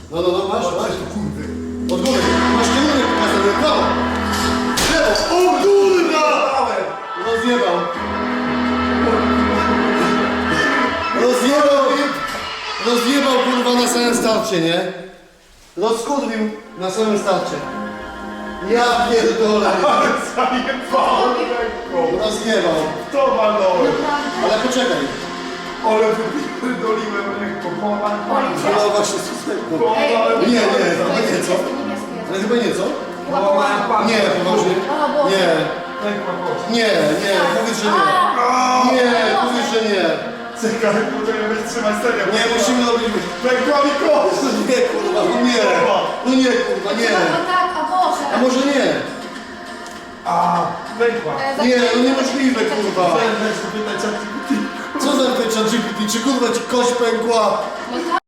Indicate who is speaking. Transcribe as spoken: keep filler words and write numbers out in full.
Speaker 1: No, no, no, masz, masz. Od góry. Masz kierunek pokazany, prawo. Lewo. O kurwa! Rozjebał. Rozjebał. Rozjebał kurwa na samym starcie, nie? Rozkurwił na samym starcie. Ja pierdolę.
Speaker 2: Ale zajebał lekko.
Speaker 1: Rozjebał.
Speaker 2: To walnąłem.
Speaker 1: Ale poczekaj.
Speaker 2: Ale wypierdoliłem lekko. Połamałem palce.
Speaker 1: No właśnie, słuchaj.
Speaker 2: Połamałem
Speaker 1: Nie, nie,
Speaker 2: palce.
Speaker 1: chyba nie, co? Ale chyba nie, co?
Speaker 2: Połamałem palce.
Speaker 1: Nie, poważnie. Nie,
Speaker 2: Pękła kość.
Speaker 1: nie, nie, powiedz, że nie. Nie, powiedz, że nie.
Speaker 2: Czekaj, możemy wytrzymać serię.
Speaker 1: Nie, musimy robić...
Speaker 2: Pękła mi kość.
Speaker 1: No nie, kurwa, no nie. No nie, kurwa, nie.
Speaker 3: No tak, a może.
Speaker 1: A może nie?
Speaker 2: A, pękła.
Speaker 1: Nie, no niemożliwe, kurwa.
Speaker 2: Chciałem zapytać, co ty
Speaker 1: Co za ten G P T? Czy kurwa ci kość pękła?
Speaker 3: No tak.